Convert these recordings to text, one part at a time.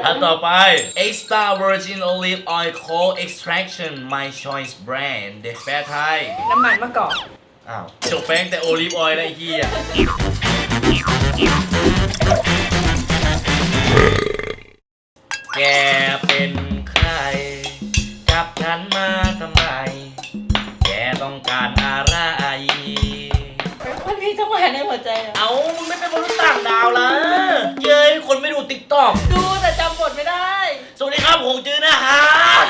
อันต่อไป extra virgin olive oil cold extraction my choice brand แปลไทยน้ำมันมะกอกอ้าวจบแป้งแต่โอลิฟออยล์ได้ที่อ่ะแกเป็นใครจับฉันมาทำไมแกต้องการอะไรมันมีจังหวะในหัวใจเหรอเอามึงไม่เป็นมนุษย์ต่างดาวละเย้ยคนไม่ดูติ๊กต็อกดูแต่จำบทไม่ได้สวัสดีครับผมจื้อนะฮะ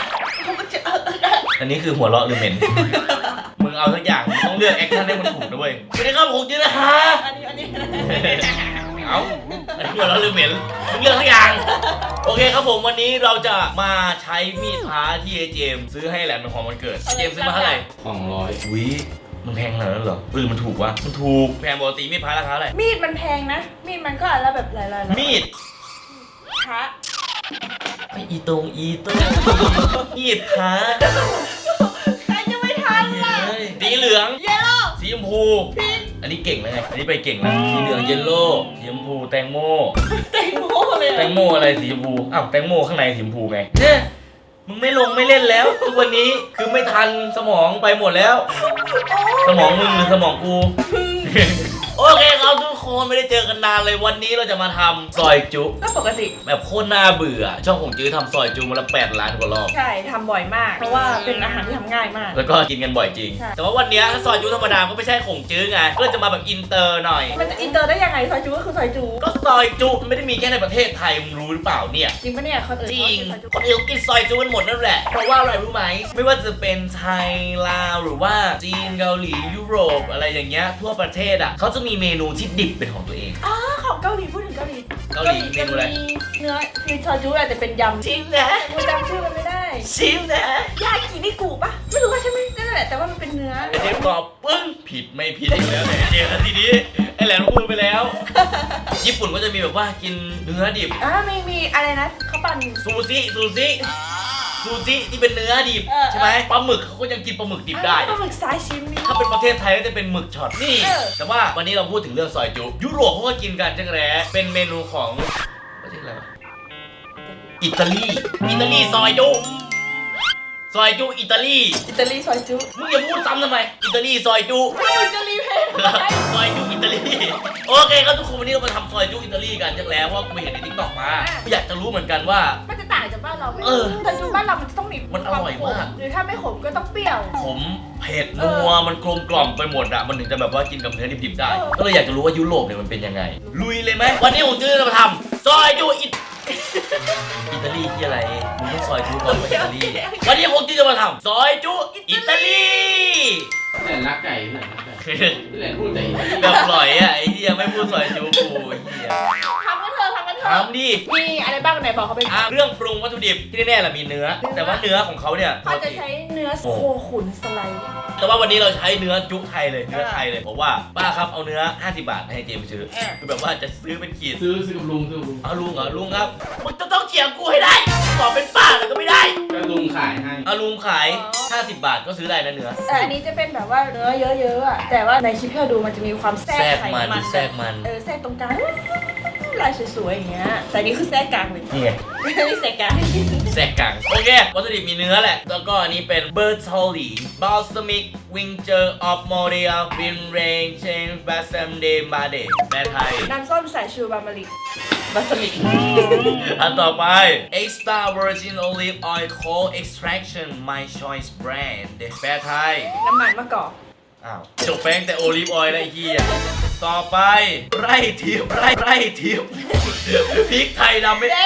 อันนี้คือหัวเราะหรือเหม็น มึงเอาสักอย่างมึงต้องเลือกแอคชั่นให้มันถูกด้วยสวัสดีครับผมจื้อนะฮะอันนี้เอาอันนี้หัวเราะหรือเหม็นมึงเลือกสักอย่างโอเคครับผมวันนี้เราจะมาใช้มีดพระที่เจมซื้อให้แหลมเป็นของวันเกิดเจมซื้อมาเท่าไหร่200วิมันแพงขนาดนั้นเหรอมันถูกวะมันถูกแพงปกติมีดพระราคาเท่าไหร่มีดมันแพงนะมีดมันก็อันละแบบหลายๆมีดพระไม่อีตรงมีดพระใครจะไม่ทันล่ะสีเหลืองเยลโล่สีชมพูอันนี้เก่งแล้วไงอันนี้ไปเก่งแล้วสีเหลืองเยลโล่สีชมพูแตงโมเลยแตงโมอะไรสีชมพูอ้าวแตงโมข้างในสีชมพูไงเนี่ยมึงไม่ลงไม่เล่นแล้วทุกวันนี้คือไม่ทันสมองไปหมดแล้วสมองมึงหรือสมองกูโอเคครับทุกคนไม่ได้เจอกันนานเลยวันนี้เราจะมาทำซอยจุก็ปกติแบบโคตรน่าเบื่อช่องของจื้อทำซอยจุมาละ8 ล้านกว่ารอบใช่ทำบ่อยมากเพราะว่าเป็นอาหารที่ทำง่ายมากแล้วก็กินกันบ่อยจริงแต่ว่าวันนี้ถ้าซอยจุธรรมดาก็ไม่ใช่ของจื้อไงก็จะมาแบบอินเตอร์หน่อยมันจะอินเตอร์ได้ยังไงซอยจุก็คือซอยจุก็ซอยจุมันไม่ได้มีแค่ในประเทศไทยมึงรู้หรือเปล่าเนี่ยจริงปะเนี่ยคนอื่นจริงคนอื่นกินซอยจุกันหมดนั่นแหละเพราะว่าอะไรรู้ไหมไม่ว่าจะเป็นไทยลาวหรือว่าจีนเกาหลียุโรปอะไรอย่างเงี้ยทั่วประเทศอ่ะเขาจะมีเมนูที่ดิบเป็นของตัวเองของเกาหลีพูดถึงเกาหลีเมนูอะไรเนื้อคือซอยจุแต่เป็นยำชิมนะกูจำชื่อมันไม่ได้ชิมนะยากินิกุปะไม่รู้ว่าใช่ไหมนั่นแหละแต่ว่ามันเป็นเนื้อเจมตอบปึ้งผิดไม่ผิดอีกแล้วไอ้เจมทีนี้ไอ้แหลมพูดไปแล้วญี่ปุ่นก็จะมีแบบว่ากินเนื้อดิบมีอะไรนะเขาปั่นซูซิที่เป็นเนื้อดิบใช่ไหมปลาหมึกเขาก็ยังกินปลาหมึกดิบได้ปลาหมึกซาชิมิถ้าเป็นประเทศไทยก็จะเป็นหมึกช็อตนี่แต่ว่าวันนี้เราพูดถึงเรื่องซอยจุยุโรปเขาก็กินกันจังแร้เป็นเมนูของประเทศอะไรวะอิตาลีซอยจุอิตาลีซอยจุมึงอย่าพูดซ้ำทำไมอิตาลีซอยจุอิตาลีเพนซอยจุอิตาลีโอเคครับทุกคนวันนี้เรามาทำซอยจุอิตาลีกันจังแล้วเพราะกูเห็นในทิกตอกมาอยากจะรู้เหมือนกันว่ามันจะต่างจากบ้านเราไหมซอยจุบ้านเรามันจะต้องมีมันอร่อยมากหรือถ้าไม่ขมก็ต้องเปรี้ยวขมเผ็ดนัวมันกลมกล่อมไปหมดอะมันถึงจะแบบว่ากินกับเนื้อดิบๆได้ก็เลยอยากจะรู้ว่ายุโรปเนี่ยมันเป็นยังไงลุยเลยไหมวันนี้ผมจะมาทำซอยจุอิตาลีที่อะไรมึงต้องซอยจุก่อนว่าอิตาลีวันนี้ผมจะมาทำซอยจุอิตาลีแหลนรักไก่แหลนรักไก่แหลนพูดใจแบบปล่อยอ่ะไอ้ที่ยังไม่พูดซอยจุกูไอ้เหี้ยทำกันเถอะทำดิมีอะไรบ้างไหนบอกเขาไปเรื่องปรุงวัตถุดิบที่แน่ๆแหละมีเนื้อแต่ว่าเนื้อของเขาเนี่ยเขาจะใช้เนื้อโคขุนสไลด์แต่ว่าวันนี้เราใช้เนื้อจุไทยเลยเนื้อไทยเลยเพราะว่าป้าครับเอาเนื้อ50 บาทให้เจมซื้อคือแบบว่าจะซื้อเป็นขีดซื้อกับลุงเอาลุงเหรอลุงครับมึงจะต้องเถียงกูให้ได้บอกเป็นป้าแล้วก็ไม่ได้ก็ลุงขายให้เอาลุงขาย50 บาทก็ซื้อได้นะเนื้อแต่อันนี้จะเป็นแบบว่าเนื้อเยอะๆอ่ะแต่ว่าในคลิปที่เราดูมันจะมีความแทรกไขมันแทรกมันแทรกตรงกลางลายสวยๆอย่างเงี้ยแต่นี่คือแทรกกลางเลยนี่ไงนี่แทรกกลางโอเควัตถุดิบมีเนื้อแหละแล้วก็อันนี้เป็น Bertolli Balsamic Vinegar of Moria Vin Rain Chain Balsam de Bade แปลไทยน้ำส้มสายชูบามาริกบาสมิกอันต่อไป Extra Virgin Olive Oil Cold Extraction My Choice Brand แปลไทยน้ำมันมะกอกจบแป้งแต่โอลิฟออยล์ได้ที่ต่อไปไร่ทิพย์พริกไทยดำไม่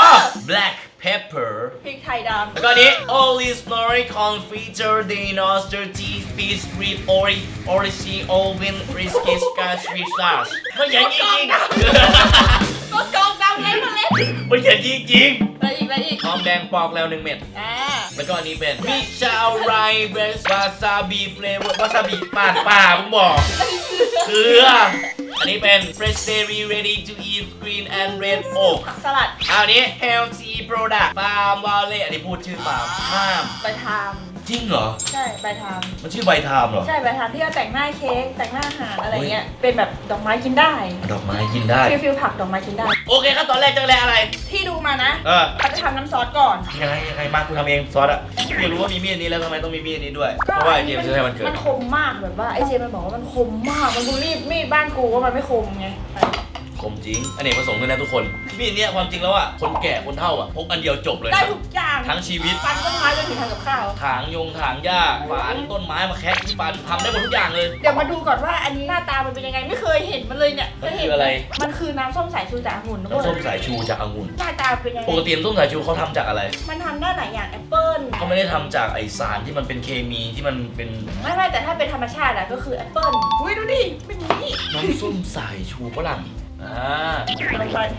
black pepper พริกไทยดำแล้วก็นี้ olive snorri confiter de noster cheese beef rib origin oven risky scotch fish sauce มันเขียนจริงก็กองดำเล่นมาเล่นมันเขียนจริงไปอีกหอมแดงปอกแล้ว1 เม็ดแล้วก็อันนี้เป็นมิชาไรเบสวาซาบิเฟลเวอร์วาซาบิป่ามึงบอกเกลืออันนี้เป็น fresh dairy ready to eat green and red oak สลัดอันนี้ healthy product farm valley อันนี้พูดชื่อฟาร์มไปทจริงเหรอใช่ใบทามมันชื่อใบไทม์เหรอใช่ใบทามที่เราแต่งหน้าเค้กแต่งหน้าอาหารอะไรเงี้ยเป็นแบบดอกไม้กินได้ดอกไม้กินได้ฟิลผักดอกไม้กินได้โอเคครับตอนแรกจะแลอะไรที่ดูมานะเออเขาจะทำน้ำซอสก่อนยังไงมากูทำเองซอสอะอยากรู้ว่ามีมีดนี้แล้วทำไมต้องมีมีดนี้ด้วย เพราะว่าไอเจมส์ซื้อให้มันเกิดมันคมมากแบบว่าไอเจมส์มันบอกว่ามันคมมากมันบูลลี่มีดบ้านกูว่ามันไม่คมไงคมจริงอเนกประสงค์ด้วยนะทุกคนมีดเนี้ยความจริงแล้วอะคนแก่คนเฒ่าอะพกอันเดียวจบเลยได้นะทุกอย่างทั้งชีวิตฟันต้นไม้จนถึงทำกับข้าวถางถางหญ้าฝานต้นไม้มาแคะที่ฟันทำได้หมดทุกอย่างเลยเดี๋ยวมาดูก่อนว่าอันนี้หน้าตามันเป็นยังไงไม่เคยเห็นมันเลยเนี่ยมันเคยคืเห็ออะไรมันคือน้ำส้มสายชูจากองุ่นทุกคน้ำส้มนสายชูจากองุ่นหน้าตาเป็นยังไงปกติน้ำส้มสายชูเขาทำจากอะไรมันทำได้หลายอย่างแอปเปิ้ลเขาไม่ได้ทำจากไอสารที่มันเป็นเคมีที่มันเป็นไม่แต่ถ้าเป็นธรรมชาติอะก็คือแอปเปิ้ลอุ้ยดูดิเป็นอย่างนี้น้ำส้มสายชูฝรั่งลอ่างไป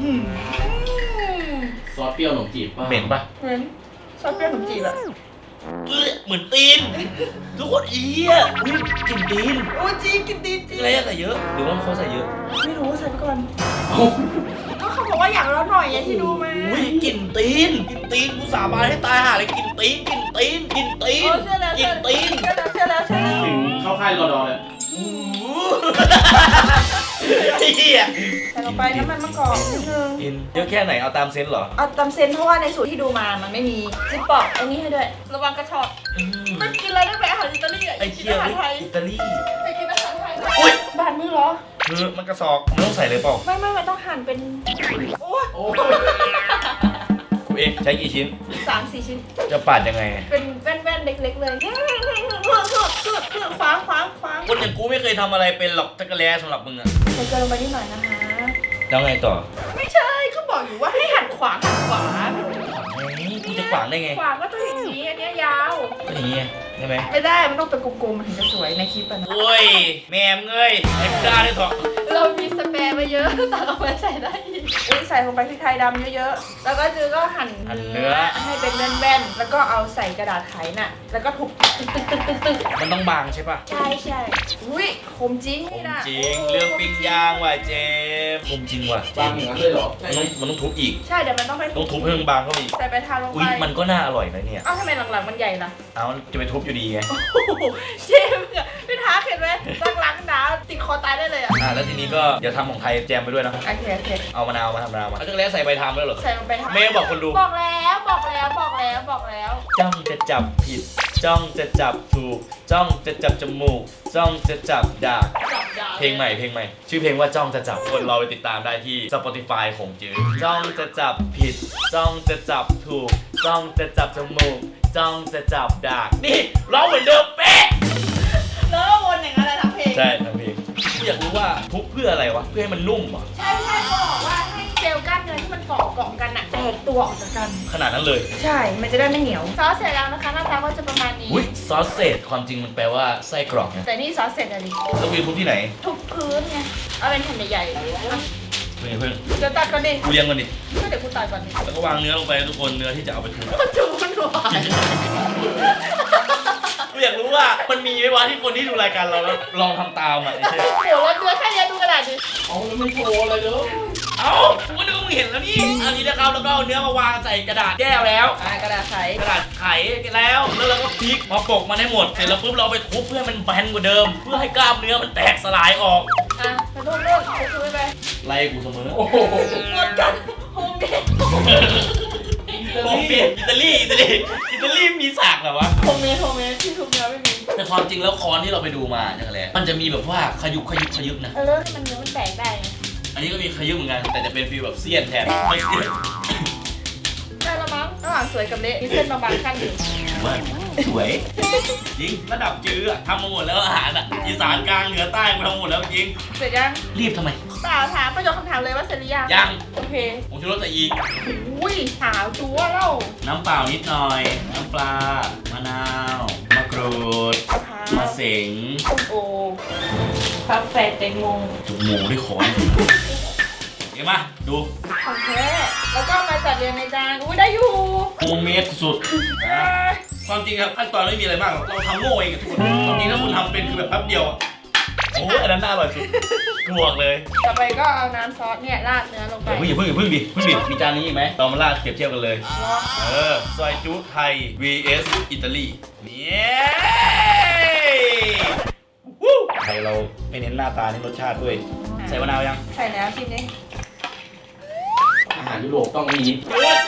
ซอสเปรี้ยวขนมจีบป่ะเหม็นปะเหมือนซอสเปรี้ยวขนมจีบอะเหมือนตีน ทุกคนเอี้ยอุ๊ยกลิ่นตีนโอ้จริงกินดีจริงอะไรอะใส่เยอะ หรือว่าเขาใส่เยอะไม่รู้ใส่ไปก่อนก็เขาบอกว่าอย่างละหน่อยไงที่ดูมาอุ้ยกลิ่นตีนกลิ่นตีนกูสาบานให้ตายห่าเลยกลิ่นตีนกลิ่นตีนกลิ่นตีนโอ้เชื่อแล้วกเชื่ลิ่อนตีนเชื่อแล้วถึงเข้าค่ายรอดอเลยอู้หูเหี้ยใส่ลงไปน้ำมันมะกอกนิดนึงกินเยอะแค่ไหนเอาตามเซนส์เหรอเอาตำเซนเพราะว่าในสูตรที่ดูมามันไม่มีจิ๊บปอกอันนี้ให้ด้วยระวังกระชอกอืมมันกินอะไรได้ไปอาหารอิตาลีอ่ะไอ้กินเคี้ยวอาหารไทยอิตาลีไปกินอาหารไทยอุ๊ยบาดมือเหรอคือมันกระสอบมันต้องใส่เลยเปล่าไม่มันต้องหั่นเป็นโอ้ยโอ้กูเองใช้กี่ชิ้น 3-4 ชิ้นจะปาดยังไงเป็นแว่นๆเล็กๆเลยคว้างคนอย่างกูไม่เคยทำอะไรเป็นหรอกจักรแล้สำหรับมึงอะใส่เกลือลงไปนิดหน่อยนะคะแล้วไงต่อไม่ใช่เขาบอกอยู่ว่าให้หั่นขวางกูจะขวางได้ไงขวางก็ต้องอย่างนี้อันเนี้ยยาวก็อย่างงี้ใช่ไหมไม่ได้มันต้องเป็นกลมๆมันถึงจะสวยในคลิปอะนะโอ้ยแม่มเงยไอ้กล้าได้ถอดเรามีสเปรย์มาเยอะ แต่เอาไปใส่ได้อีกใส่ลงไปพริกไทยดำเยอะๆ แล้วก็จือก็หั่นเนื้อให้เป็นแว่นๆ แล้วก็เอาใส่กระดาษไขน่ะ แล้วก็ทุบตึกมันต้องบางใช่ปะใช่อุ้ยคมจริงผมนี่นะจริงเรื่องปิ้งย่างว่ะเจมผมจริงว่ะบางอย่างนั้นเลยเหรอมันต้องทุบอีกใช่เดี๋ยวมันต้องไปต้องทุบให้มันบางเข้าไปอีกใส่ไปทาลงอุ๊ไปยมันก็น่าอร่อยนะเนี่ยเอ้าทำไมหลังๆมันใหญ่ล่ะเอาจะไปทุบอยู่ดีไงโอ้โหเชฟอะไม่ท้าเห็นไหมหลังๆหนาวติดคอตายได้เลยอ่ะแล้วทีนี้ก็เดี๋ยวทำของไทยแจมไปด้วยนะโอเคเอามะนาวมาทำมะนาวมาเอาจักรแล้ใส่ใบทามด้วยเหรอใส่ลงไปทำเมย์บอกคนดูบอกแล้วจ้องจะจับผิด จ้องจะจับถูก จ้องจะจับจมูก จ้องจะจับดาก เพลงใหม่ ชื่อเพลงว่าจ้องจะจับคนเราไปติดตามได้ที่ Spotify ของจื้อจ้องจะจับผิด จ้องจะจับถูก จ้องจะจับจมูก จ้องจะจับดาก นี่ร้องเหมือนเดิมเป๊ะแล้วก็วนอย่างนั้นแหละทั้งเพลงใช่ทั้งเพลงอยากรู้ว่าทุบเพื่ออะไรวะ เพื่อให้มันนุ่มเหรอใช่เขาบอกว่าให้เซลล์กล้ามเนื้อที่มันเกาะกันอะแตกตัวออกจากกันขนาดนั้นเลยใช่ มันจะได้ไม่เหนียว ซอสเสร็จแล้วนะคะหน้าตาก็จะประมาณนี้อุ้ยซอสเศษความจริงมันแปลว่าไส้กรอกนะแต่นี่ซอสเสร็จแล้วดิแล้ววีทุบที่ไหนทุบพื้นไง เอาเป็นแผ่นใหญ่ๆอ่ะเพิ่งเดี๋ยวตัดก่อนดิกูเลี้ยงมันดิก็เดี๋ยวกูตัดก่อนดิแล้วก็วางเนื้อลงไปทุกคนเนื้อที่จะเอาไปทุบมันจุมันหวานกูอยากรู้ว่ามันมีไหมวะที่คนที่ดูรายการเราแล้วลองทำตามอ่ะไอ้เช่โหแล้วเนื้อแค่นี้ดูกระดาษดิเอาแล้วไม่โชว์อะไรเลยเอ้ากูนึกว่ามึงเห็นแล้วนี่อันนี้นะครับแล้วก็เอาเนื้อมาวางใส่กระดาษแก้วแล้วกระดาษใสกระดาษไขแล้วเราก็พลิกมาปกมันให้หมด เสร็จแล้วปุ๊บเราเอาไปทุบเพื่อให้มันแบนกว่าเดิม เพื่อให้กล้ามเนื้อมันแตกสลายออกอ่ะไปรูปทุบไปไล่กูเสมอโอ้โหหมดกันโฮมเมดผมเปลี่ยนอิตาลีมีสากเหรอวะโฮมเมดที่ทุบเนื้อไม่มีแต่ความจริงแล้วค้อนที่เราไปดูมาจังแหละมันจะมีแบบว่าขยุกนะเริ่มให้มันเนื้อมันแตกได้ไงอันนี้ก็มีขยุกเหมือนกัน แต่จะเป็นฟีลแบบเสี้ยนแทนไม่เสี้ยนได้แล้วมั้งระหว่างสวยกับเละมีเส้นบางๆขั้นอยู่ว่าสวยจริงระดับจื้ออะทำมาหมดแล้วอาหารอ่ะอีสานกลางเหนือใต้กูทำมาหมดแล้วจริงเสร็จยังรีบทำไมเปล่าถามประโยคคำถามเลยว่าเสร็จหรือยังยังโอเคผมชูรสใส่อีกอุ้ยหาวจั๊วเล่าน้ำเปล่านิดหน่อย น้ำปลามะนาวมะกรูดมะพร้าวมะเสงส้มโอกาแฟแตงโมจุกหมูด้วยขอนเห็นปะดูของแท้แล้วก็มาจัดเรียงในจานอุ้ยได้อยู่โฮมเมดสุดนะความจริงครับขั้นตอนไม่มีอะไรมากหรอกเราทำโง่เองกับทุกคนความจริงถ้าคุณทำเป็นคือแบบแป๊บเดียวอะโอ้ยอันนั้นน่าอร่อยสุดกวกเลยต่อไปก็เอาน้ำซอสเนี่ยราดเนื้อลงไปเดี๋ยวพึ่งดิมีจานนี้อีกไหมเรามาลาดเปรียบเทียบกันเลยรอซอยจุไทย vs อิตาลีเนี่ยไทยเราไม่เน้นหน้าตาเน้นรสชาติด้วย ใส่มะนาวยังใส่แล้วชิมนี่อาหารยุโรปต้องมีดี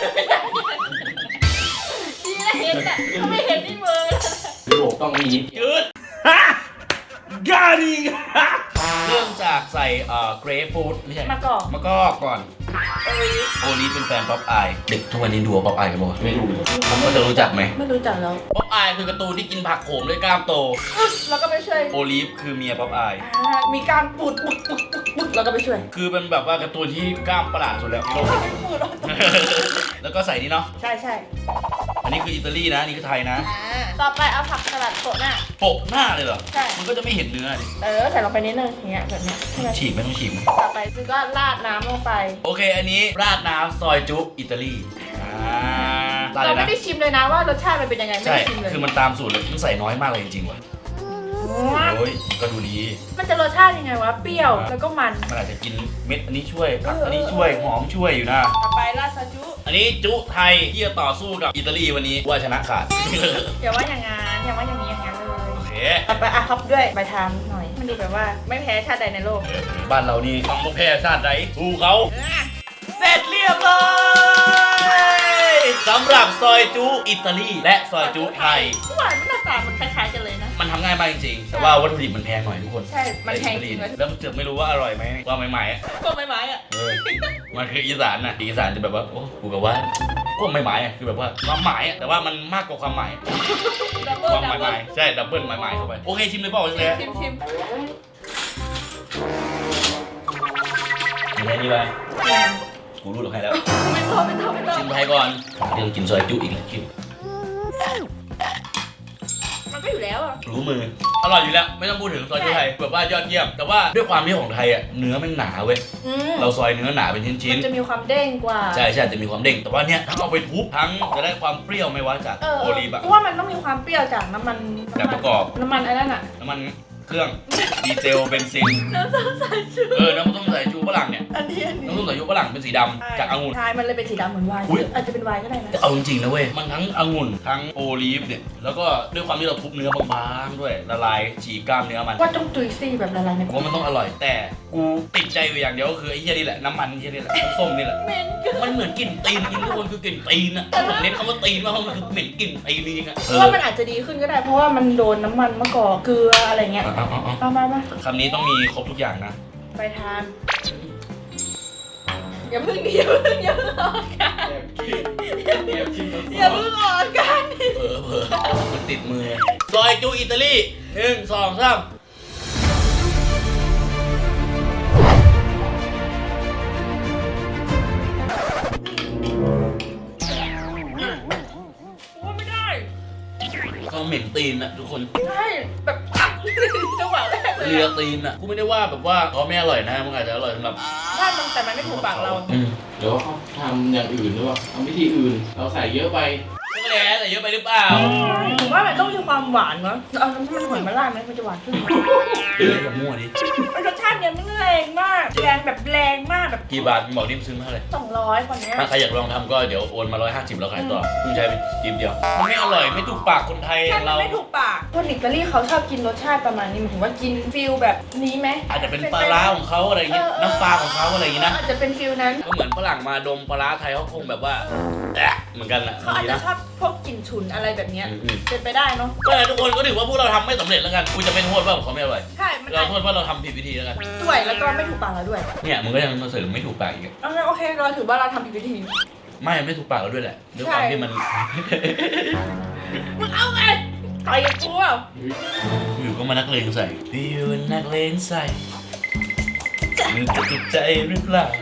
นะเห็นอ่ะถ้าไม่เห็นนี่มือยุโรปต้องมีจืดฮะกาดิงเริ่มจากใส่เกรฟฟูดไม่ใช่มะกอกมะกอกก่อนโอ้ยโอลีเป็นแฟนป๊อปอายเด็กทุกวันนี้ดูป๊อปอายกันบ่ไม่รู้เลยเขาจะรู้จักไหมไม่รู้จักแล้วป๊อปอายคือการ์ตูนที่กินผักโขมด้วยกล้ามโตแล้วก็ไปช่วยโอลีฟคือเมียป๊อปอายมีการปูดปุดแล้วก็ไปช่วยคือเป็นแบบว่าการ์ตูนที่กล้ามประหลาดสุดแล้วในโลกไม่ปูดหรอกแล้วก็ใส่นี่เนาะใช่ใช่อันนี้คืออิตาลีนะนี่คือไทยนะต่อไปเอาผักสลัดโปะหน้าโปะหน้าเลยเหรอใช่มันก็จะไม่เห็นเนื้อดิใส่ลงไปนิดนึงอย่างเงี้ยแบบเนี้ยใช่ไหมฉีกไม่ต้องฉีกต่อไปคือก็ราดน้ำลงไปโอเค อันนี้ราดน้ำซอยจุอิตาลีราดเลเรายไม่นะได้ชิมเลยนะว่ารสชาติมันเป็นยังไงไม่ใช่ได้ชิมเลยคือมันตามสูตรเลยต้องใส่น้อยมากเลยจริงๆว่ะโอ้ยก็ดูดีมันจะรสชาติยังไงวะเปรี้ยวแล้วก็มันมันอาจจะกินเม็ดอันนี้ช่วยผักอันนี้ช่วยหอมช่วยอยู่นะต่อไปราดซอสจุอันนี้จุไทยที่จะต่อสู้กับอิตาลีวันนี้ว่าชนะขาดอย่าว่าอย่างงั้นอย่าว่าอย่างนี้อย่างนั้นเลยโอเคต่อไปท็อปด้วยใบทามหน่อย มันดูแบบว่าไม่แพ้ชาติใดในโลกบ้านเรานี่ต้องแพ้ชาติใดสู้เขา เสร็จเรียบร้อยสำหรับซอยจุอิตาลีและซอยจุไทยทุกวันหน้าตามันคล้ายๆกันเลยนะมันทำง่ายมากจริงๆ แต่ว่าวัตถุดิบมันแพงหน่อยทุกคนใช่ มันแพงจริงเลยแล้วเจือกไม่รู้ว่าอร่อยไหมว่าใหม่ๆอ่ะพวกไม้ๆอ่ะมันคืออีสานนะอีสานจะแบบว่าโอ้กูแบบว่าพวกใหม่ๆอ่ะคือแบบว่าความหมายอ่ะแต่ว่ามันมากกว่าความหมายดับเบิ้ลความดับหเบิ้มาลยๆใช่ดับเบิลหมายๆเข้าไปโอเคชิมเลยเปล่าเลยชิมกินอะไรดีไปกูรู้หรอกใครแล้วไม่ต้องชิมไทยก่อนเดี๋ยวกินซอยจุอีกนะชิมมันก็อยู่แล้วอ่ะรู้มืออร่อยอยู่แล้วไม่ต้องพูดถึงซอยจุไทยแบบว่ายอดเยี่ยมแต่ว่าด้วยความที่ของไทยอ่ะเนื้อมันหนาเว้ยเราซอยเนื้อหนาเป็นชิ้นมันจะมีความเด้งกว่าๆใช่จะมีความเด้งแต่ว่าเนี้ยทั้งเอาไปทุบทั้งจะได้ความเปรี้ยวไม่ว่าจากโอลีฟอะเพราะว่ามันต้องมีความเปรี้ยวจากน้ำมันจากประกอบน้ำมันไอ้นั่นอ่ะน้ำมันเครื่องดีเซลเบนซินน้ำส้มสายชูน้ำส้มสายชูฝรั่งเนี่ยอันนี้น้ำส้มสายชูฝรั่งเป็นสีดำจากองุ่นใช่มันเลยเป็นสีดำเหมือนไวน์อุ๊ยอาจจะเป็นไวน์ก็ได้นะแต่เอาจริงๆนะเว้ยมันทั้งองุ่นทั้งโอลีฟเนี่ยแล้วก็ด้วยความที่เราทุบเนื้อบางๆด้วยละลายฉีกกล้ามเนื้อมันว่าต้องจุยซี่แบบละลายในผมว่ามันต้องอร่อยแต่กูติดใจอยู่อย่างเดียวก็คือไอ้เหี้ยนี่แหละน้ำมันเหี้ยนี่แหละน้ำส้มนี่แหละเหม็นเกินมันเหมือนกลิ่นตีนจริงทุกคนคือกลิ่นตีนอะผมเน้นคำว่าตีนมากเพราะมันคือเหม็นกลิ่นตีนจริงอะเพราะว่ามันอาจจะดีขึ้นก็ได้ เพราะว่ามันโดนน้ำมันมะกอกเกลืออะไรเงี้ยเอามาคำนี้ต้องมีครบทุกอย่างนะไปทานอย่าเพิ่งดิอย่าเพิ่งออกอาการแอบชิมอย่าเพิ่งออกอาการเผลอมันติดมือซอยจูอิตาลี1 2 3 ว่าไม่ได้เขาเหม็นตีนอะทุกคนใช่แบบจังหวะแรกเลยเลียอะตีนอะกูไม่ได้ว่าแบบว่าเขาไม่อร่อยนะมันอาจจะอร่อยสำหรับถ้ามันแต่มันไม่ถูกปากเราเดี๋ยวเขาทำอย่างอื่นหรือเปล่าทำวิธีอื่น เราใส่เยอะไปก็แล้วแต่เยอะไปหรือเปล่าผมว่ามันต้องมีความหวานเนาะเอาน้ำมันหอยมาราดไหมมันจะหวานขึ้นไหมเฮ้ยอย่ามั่วดิรสชาติเนี่ยมันแรงมากแรงแบบแรงมากแบบกี่บาทบอกดิมซื้อมาเท่าไหร่ 200คนเนี้ยถ้าใครอยากลองทำก็เดี๋ยวโอนมา150แล้วขายต่อเพิ่งใช้ไปจิบเดียวมันไม่อร่อยไม่ถูกปากคนไทยใช่มันเราไม่ถูกปากคนอิตาลีเขาชอบกินรสชาติประมาณนี้หมายถึงว่ากินฟิลแบบนี้ไหมอาจจะเป็นปลาร้าของเขาอะไรอย่างเงี้ยน้ำปลาของเขาอะไรอย่างงี้นะอาจจะเป็นฟิลนั้นก็เหมือนฝรั่งมาดมปลาร้าไทยเขาคงแบบว่าเหมือนกันแหละเขาอาจดีจะนะชอบพวกกลิ่นฉุนอะไรแบบเนี้ยอืมเป็นไปได้เนาะก็เลยทุกคนก็ถือว่าพวกเราทำไม่สำเร็จแล้วกันกูจะเป็นโทษว่าเขาไม่อร่อยใช่มันเราโทษว่าเราทำผิดวิธีแล้วกันด้วยแล้วก็ไม่ถูกปากเราด้วยเนี่ยมึงก็ยังมาเสริมไม่ถูกปากอีกโอเคเราถือว่าเราทำผิดวิธีไม่ถูกปากเราด้วยแหละด้วยความที่มันมึงเอาไงต่อยกับกูเปล่าอยู่ก็มานักเลงใส่พี่เป็นนักเลงใส่มึงจะติดใจหรือเปล่า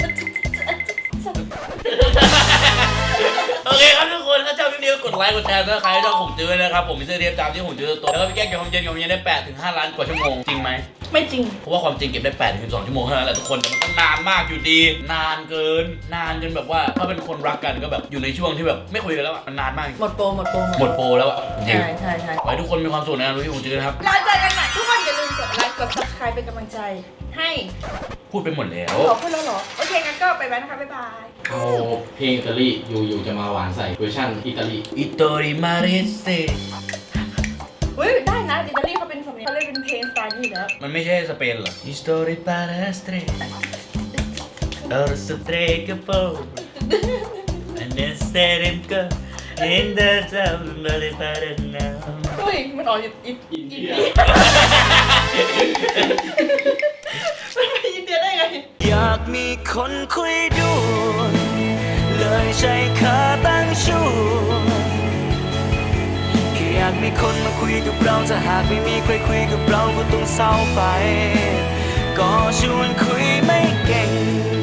โอเคครับทุกคนถ้าชอบคลิปนี้ก็กดไลค์กดแชร์ถ้าใครชอบผมจื้อนะครับผมมีเสื้อเทียบตามที่ผมจื้อตัวแล้วก็พี่แก้เก็บความเย็นของผมเย็นได้8 ถึง 5 ล้านกว่าชั่วโมงจริงไหมไม่จริงเพราะว่าความจริงเก็บได้8 ถึง 12 ชั่วโมงเท่านั้นแหละทุกคนแต่มันก็นานมากอยู่ดี นานเกินนานจนแบบว่าถ้าเป็นคนรักกันก็แบบอยู่ในช่วงที่แบบไม่คุยกันแล้วอ่ะมันนานมากหมดโปรหมดโปรแล้วอ่ะจริงใช่ขอให้ทุกคนมีความสุขในการดูที่ผมจื้อนะครับเราเจอกันใหม่ทุกคนอย่าลืมกดไลค์กด subscribe เป็นกำลังใจให้พูดไปหมดแล้วขอพูดแล้วเหรอ โอเคงั้นก็ไปแล้วนะคะ บ๊ายบายเอาเพลงอิตาลีอยู่จะมาหวานใส่เวอร์ชันอิตาลีอิโตริมาเรสเตเฮ้ยได้นะอิตาลีเขาเป็นสำเนียงเขาเล่นเป็นเพลงสไตล์นี้อยู่แล้วมันไม่ใช่สเปนเหรออิสโตริปาเรสเตออร์สเตรกโปอันเดสเตริมก็อินเดอร์ซัมบริปาเรนาเฮ้ยมันออกอินอินเดียมันไปอินเดียได้ไงอยากมีคนคุยด้วยเลยใช้ขาตั้งชูแค่อยากมีคนมาคุยกับเราถ้าหากไม่มีใครคุยกับเราก็ต้องเศร้าไป ก็ชวนคุยไม่เก่ง